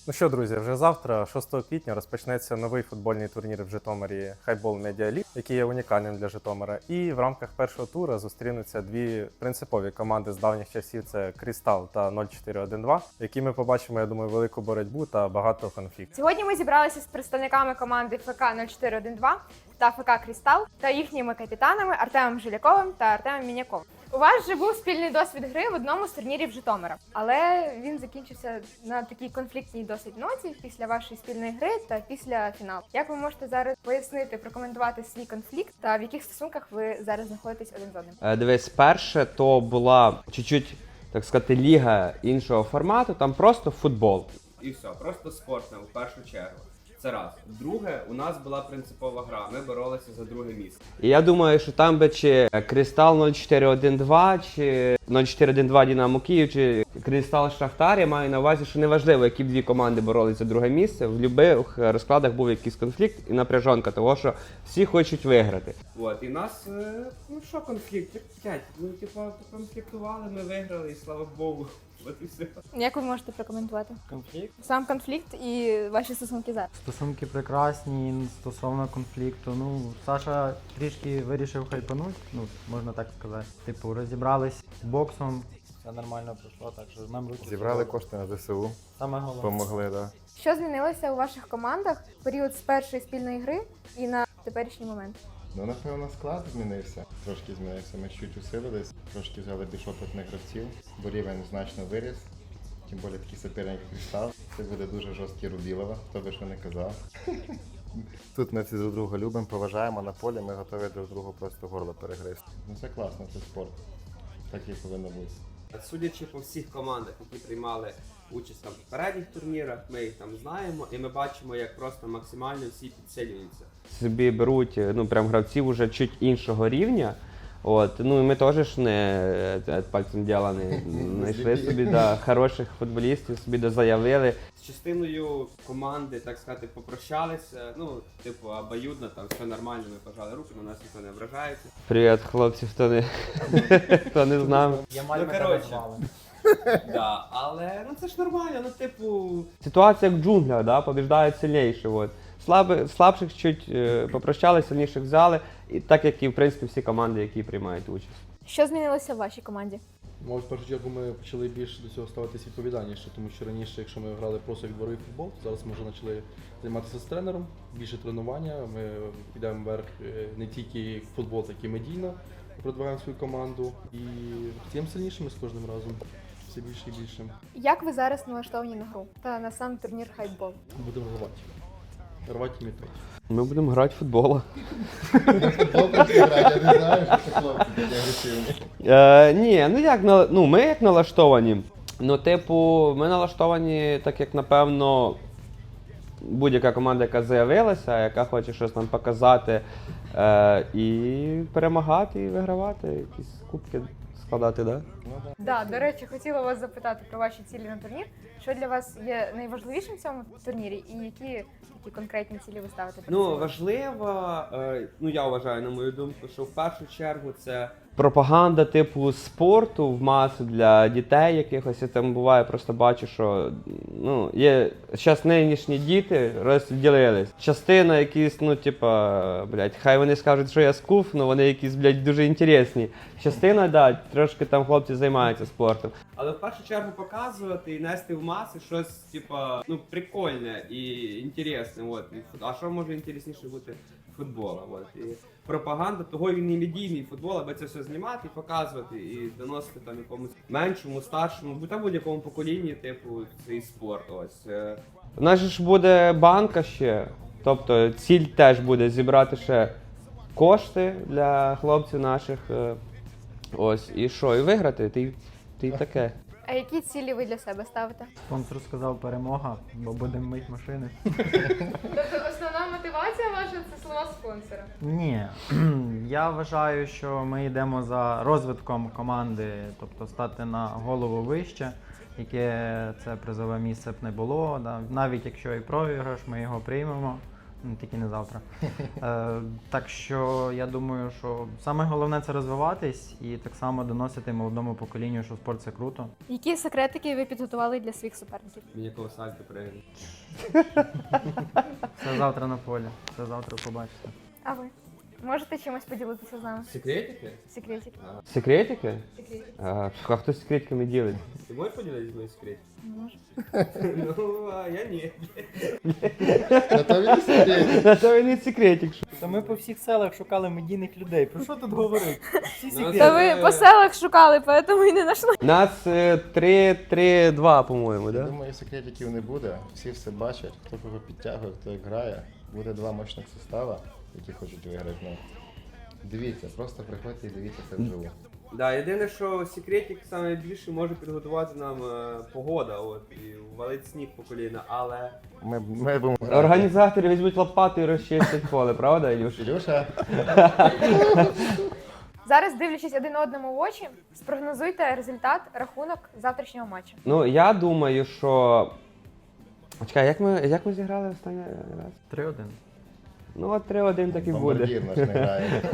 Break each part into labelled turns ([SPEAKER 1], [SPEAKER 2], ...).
[SPEAKER 1] Ну що, друзі, вже завтра, 6 квітня, розпочнеться новий футбольний турнір в Житомирі Highball Media League, який є унікальним для Житомира. І в рамках першого тура зустрінуться дві принципові команди з давніх часів – це Крістал та 0412, які ми побачимо, я думаю, велику боротьбу та багато конфліктів.
[SPEAKER 2] Сьогодні ми зібралися з представниками команди ФК 0412 та ФК Крістал та їхніми капітанами Артемом Жиляковим та Артемом Міняковим. У вас вже був спільний досвід гри в одному з турнірів Житомира, але він закінчився на такій конфліктній досить ноті після вашої спільної гри та після фіналу. Як ви можете зараз пояснити, прокоментувати свій конфлікт та в яких стосунках ви зараз знаходитесь один з одним?
[SPEAKER 3] Дивись, перше, то була чуть-чуть, так сказати, ліга іншого формату, там просто футбол. І все, просто спортом в першу чергу. Це раз. Друге, у нас була принципова гра, ми боролися за друге місце. І я думаю, що там би чи Крістал 0412, чи 0412 Динамо Київ, чи Крістал Шахтар, я маю на увазі, що неважливо, які б дві команди боролися за друге місце, в будь-яких розкладах був якийсь конфлікт і напряжонка того, що всі хочуть виграти. От, і нас, ну що конфлікт? Ну, конфліктували, ми виграли, і слава Богу. От і все.
[SPEAKER 2] Як ви можете прокоментувати
[SPEAKER 4] Конфлікт?
[SPEAKER 2] сам конфлікт і ваші стосунки зараз?
[SPEAKER 4] Стосунки прекрасні стосовно конфлікту. Ну, Саша трішки вирішив хайпануть, ну, можна так сказати. Типу, розібрались з боксом, все нормально пройшло, так що нам руки.
[SPEAKER 1] Зібрали кошти на ЗСУ,
[SPEAKER 4] Саме головне.
[SPEAKER 1] помогли, да.
[SPEAKER 2] Що змінилося у ваших командах в період з першої спільної гри і на теперішній момент?
[SPEAKER 5] Ну, напевно, склад змінився. Трошки змінився. Ми чуть усилились, трошки взяли більш опитних гравців, бо рівень значно виріс. Тим більше такий суперник Крістал. Це буде дуже жорсткий Рубілова, хто би що не казав. Тут ми всі друг друга любимо, поважаємо на полі, ми готові друг другу просто горло перегризти. Ну це класно, це спорт. Так і повинно бути.
[SPEAKER 3] Судячи по всіх командах, які приймали участь там в попередніх турнірах, ми їх там знаємо, і ми бачимо, як просто максимально всі підсилюються. Собі беруть, ну, прям гравців уже чуть іншого рівня. От, ну і ми теж ж не пальцем діла не знайшли собі хороших футболістів, собі заявили. З частиною команди, так сказати, попрощалися, ну, типу, обоюдно, там все нормально, ми пожали руки, на нас ніхто не ображається. Привіт, хлопці, хто не з нами.
[SPEAKER 4] Я
[SPEAKER 3] Ну, коротше. Да, але ну це ж нормально, ну типу. Ситуація як в джунглях, да, побіждають сильніші. От. Слабших чуть попрощали, сильніших взяли, і так як і в принципі всі команди, які приймають участь.
[SPEAKER 2] Що змінилося в вашій команді?
[SPEAKER 6] Мабуть, в першу чергу ми почали більше до цього ставитися відповідальніше, тому що раніше, якщо ми грали просто як дворовий футбол, зараз ми вже почали займатися з тренером, більше тренування, ми йдемо вверх не тільки в футбол, так і медійно, продвигаємо свою команду і стаємо сильнішими з кожним разом, все більше і більше.
[SPEAKER 2] Як ви зараз налаштовані на гру та на сам турнір Highball?
[SPEAKER 6] Будемо рвати. Рвати і мітати.
[SPEAKER 3] Ми будемо грати в футбол.
[SPEAKER 5] Добре, я не знаю, що це хлопці такі агресивні.
[SPEAKER 3] Ні, ну як, ну ми як налаштовані. Ну, типу, ми налаштовані так, як напевно будь-яка команда, яка заявилася, яка хоче щось нам показати, і перемагати, і вигравати, якісь кубки складати, да?
[SPEAKER 2] Да, до речі, хотіла вас запитати про ваші цілі на турнір. Що для вас є найважливішим в цьому турнірі і які конкретні цілі ви ставите перед
[SPEAKER 3] Ну,
[SPEAKER 2] собою?
[SPEAKER 3] важливо, ну я вважаю, на мою думку, що в першу чергу це пропаганда типу спорту в масу для дітей якихось. Я там буває, просто бачу, що ну, є зараз нинішні діти розділились. Частина якісь, ну, типа, блядь, хай вони скажуть, що я скуф, але вони якісь, блядь, дуже інтересні. Частина, да, трошки там хлопці займаються спортом. Але в першу чергу показувати і нести в маси щось, типа, ну, прикольне і інтересне. От. А що може інтересніше бути футбола? От. І пропаганда того він і медійний футбол, аби це все знімати, показувати і доносити там якомусь меншому, старшому, та будь-якому поколінні, типу, цей спорт. Ось. У нас же ж буде банка ще, тобто ціль теж буде зібрати ще кошти для хлопців наших. Ось, і що, і виграти, ти таке.
[SPEAKER 2] А які цілі ви для себе ставите?
[SPEAKER 4] Спонсор сказав перемога, бо будемо мити машини.
[SPEAKER 2] Тобто основна мотивація ваша це слова спонсора?
[SPEAKER 4] Ні, я вважаю, що ми йдемо за розвитком команди, тобто стати на голову вище, яке це призове місце б не було. Да. Навіть якщо і програш, ми його приймемо. тільки не завтра. Так що я думаю, що саме головне це розвиватись і так само доносити молодому поколінню, що спорт це круто.
[SPEAKER 2] Які секретики ви підготували для своїх суперників?
[SPEAKER 3] Міняков сальто пригне.
[SPEAKER 4] Це завтра на полі. Це завтра побачите.
[SPEAKER 2] А ви? Можете чимось поділитися з нами?
[SPEAKER 3] Секретики?
[SPEAKER 2] Секретик.
[SPEAKER 3] Секретики?
[SPEAKER 2] Секретик.
[SPEAKER 3] А хто секретиками ділить?
[SPEAKER 7] Ти можеш поділитися моїм секретом?
[SPEAKER 2] Може.
[SPEAKER 7] Ну, а я ні.
[SPEAKER 5] На то він і сидить.
[SPEAKER 3] На то він і секретик.
[SPEAKER 4] Та ми по всіх селах шукали медійних людей. Про що тут говорити? Всі
[SPEAKER 7] Ну,
[SPEAKER 2] Та ви по селах шукали, поэтому і не знайшли.
[SPEAKER 3] Нас 3-3-2, по-моєму,
[SPEAKER 5] Я
[SPEAKER 3] да?
[SPEAKER 5] думаю, секретиків не буде. Всі все бачать, хто кого підтягує, хто як грає. Буде два мощних состава, які хочуть виграти. Ну, дивіться, просто приходьте і дивіться це вживу.
[SPEAKER 7] Да, єдине, що секретик саме більше може підготувати нам погода, от, і валить сніг по коліна, але
[SPEAKER 5] Ми будемо грати.
[SPEAKER 3] Організатори візьмуть лопату і розчистять поле, правда, Ілюш?
[SPEAKER 5] Ілюша,
[SPEAKER 2] Зараз, дивлячись один одному в очі, спрогнозуйте результат, рахунок завтрашнього матчу.
[SPEAKER 3] Ну, я думаю, що... Чекай, як ми зіграли останній раз?
[SPEAKER 4] 3-1.
[SPEAKER 3] Ну, от 3-1 так і буде.
[SPEAKER 5] бомбардір наш не грає.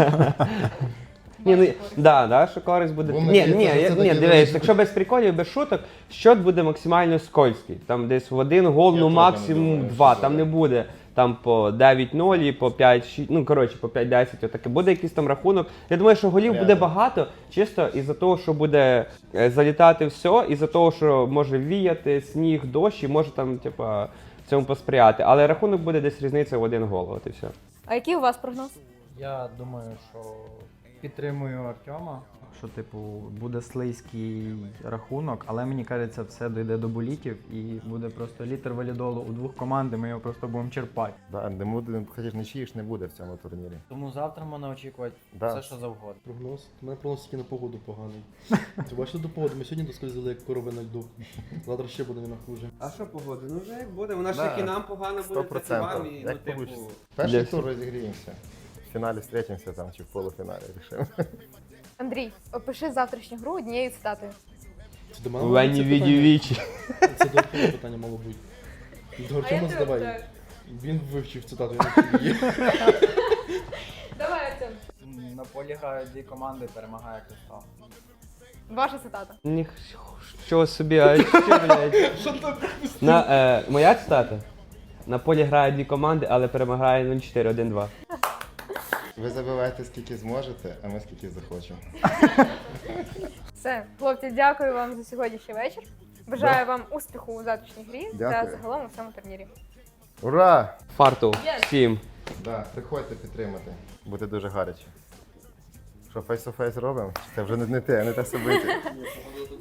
[SPEAKER 3] Ні, ну, да, що користь буде.
[SPEAKER 5] Будемо
[SPEAKER 3] Ні,
[SPEAKER 5] надіятися, що це таки
[SPEAKER 3] дивись,
[SPEAKER 5] буде.
[SPEAKER 3] якщо без приколів, без шуток, счет буде максимально скользький. Там десь в один гол,
[SPEAKER 5] Я
[SPEAKER 3] ну
[SPEAKER 5] теж
[SPEAKER 3] максимум
[SPEAKER 5] не думаю,
[SPEAKER 3] два.
[SPEAKER 5] що
[SPEAKER 3] Там
[SPEAKER 5] буде.
[SPEAKER 3] не буде там по 9-0 і по 5-6, ну коротше, по 5-10, отаке. Буде якийсь там рахунок. Я думаю, що голів буде
[SPEAKER 5] Порядок.
[SPEAKER 3] багато, чисто із-за того, що буде залітати все, із-за того, що може віяти, сніг, дощ, і може там, типа, цьому посприяти. Але рахунок буде десь різниця в один гол, от і все.
[SPEAKER 2] А який у вас прогноз?
[SPEAKER 4] Я думаю, що підтримую Артема, що типу буде слизький рахунок, але мені кажеться, все дійде до булітів і буде просто літр валідолу у двох команд, і ми його просто будемо черпати.
[SPEAKER 5] Да, не буде, хочеш нічиї ж не буде в цьому турнірі.
[SPEAKER 4] Тому завтра можна очікувати
[SPEAKER 5] Да.
[SPEAKER 4] все, що завгодно.
[SPEAKER 6] Прогноз. У мене прогноз тільки на погоду поганий. Ти бачиш до погоди? Ми сьогодні доскользили як корови на льду. Завтра ще буде не хуже.
[SPEAKER 7] а що погода? Ну вже як буде, вона ж
[SPEAKER 5] Да,
[SPEAKER 7] як і нам погано буде, так і вам,
[SPEAKER 5] 100%.
[SPEAKER 7] і ну,
[SPEAKER 5] Як
[SPEAKER 7] типу.
[SPEAKER 5] получиться. Перший
[SPEAKER 3] Для
[SPEAKER 5] тур розігріємося. В фіналі зустрічемося там чи в полуфіналі рішимо.
[SPEAKER 2] Андрій, опиши завтрашню гру однією цитатою.
[SPEAKER 6] Це до мене
[SPEAKER 3] Вені
[SPEAKER 6] це питання?
[SPEAKER 3] відівічі.
[SPEAKER 6] Це до Артема питання мало бути. До Артема задавай. Він вивчив цитату, я не вчив її.
[SPEAKER 2] Давай, Артем.
[SPEAKER 4] На полі грають дві команди, перемагає Кристал.
[SPEAKER 2] Ваша цитата.
[SPEAKER 3] Нічого собі, а що, блядь? Моя цитата? На полі грають дві команди, але перемагає 0-4-1-2.
[SPEAKER 5] Ви забивайте скільки зможете, а ми скільки захочемо.
[SPEAKER 2] Все, хлопці, дякую вам за сьогоднішній вечір. Бажаю вам успіху у завтрашній грі та
[SPEAKER 5] Дякую.
[SPEAKER 2] загалом у всьому турнірі.
[SPEAKER 5] Ура!
[SPEAKER 3] Фарту всім.
[SPEAKER 5] Да, приходьте підтримати. Буде дуже гаряче. Що, фейс-то-фейс робимо? Чи це вже не те собити?